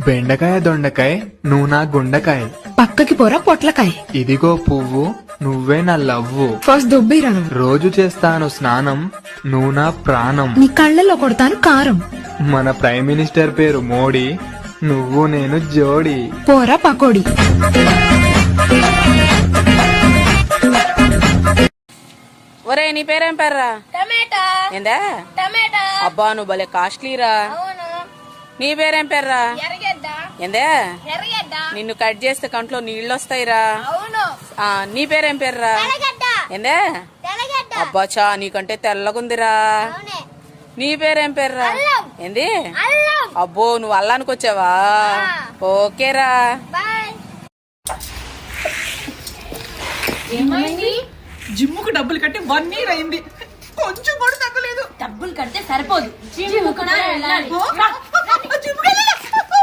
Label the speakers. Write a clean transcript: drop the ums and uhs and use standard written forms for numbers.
Speaker 1: బెండకాయ దొండకాయ నువ్వు నా గుండకాయ,
Speaker 2: పక్కకి పోరా పొట్లకాయ.
Speaker 1: ఇదిగో పువ్వు నువ్వే నా లవ్వు,
Speaker 2: ఫస్ట్ దుబ్బిరా నువ్వు.
Speaker 1: రోజు చేస్తాను స్నానం నువ్వు నా ప్రాణం,
Speaker 2: నీ కళ్ళలో కొడతాను కారం.
Speaker 1: మన ప్రైమ్ మినిస్టర్ పేరు మోడీ, నువ్వు నేను జోడి.
Speaker 2: పోరా పకోడి.
Speaker 3: ఒరే నీ పేరేం పేర్రా?
Speaker 4: టమాటా.
Speaker 3: ఏందా?
Speaker 4: టమాటా.
Speaker 3: అబ్బా నువ్వు భలే కాస్ట్లీరా.
Speaker 4: అవును.
Speaker 3: నీ పేరేం పేర్రా?
Speaker 4: ఎర్రగడ్డ.
Speaker 3: ఏందే?
Speaker 4: ఎర్రగడ్డ.
Speaker 3: నిన్ను కట్ చేస్తే కంట్లో నీళ్ళు వస్తాయిరా.
Speaker 4: అవును.
Speaker 3: నీ పేరేం పేర్రా?
Speaker 4: తెల్లగడ్డ.
Speaker 3: ఏందే?
Speaker 4: తెల్లగడ్డ.
Speaker 3: అబ్బా చా నీకంటే తెల్లగుందిరా.
Speaker 4: అవునే.
Speaker 3: నీ పేరేం పేర్రా?
Speaker 4: అల్లం.
Speaker 3: ఏంది?
Speaker 4: అల్లం.
Speaker 3: అబ్బో నువ్వు అల్లానికి వచ్చావా? ఓకేరా.
Speaker 4: బాయ్.
Speaker 5: ఏమైంది?
Speaker 6: జిమ్ముకు డబ్బులు కట్టి 1 year అయింది, కొంచెం కూడా తగ్గలేదు.
Speaker 5: డబ్బులు కడితే సరిపోదు, జిమ్ కూడా వెళ్ళాలి.
Speaker 6: జిమ్ముకి వెళ్ళాలా?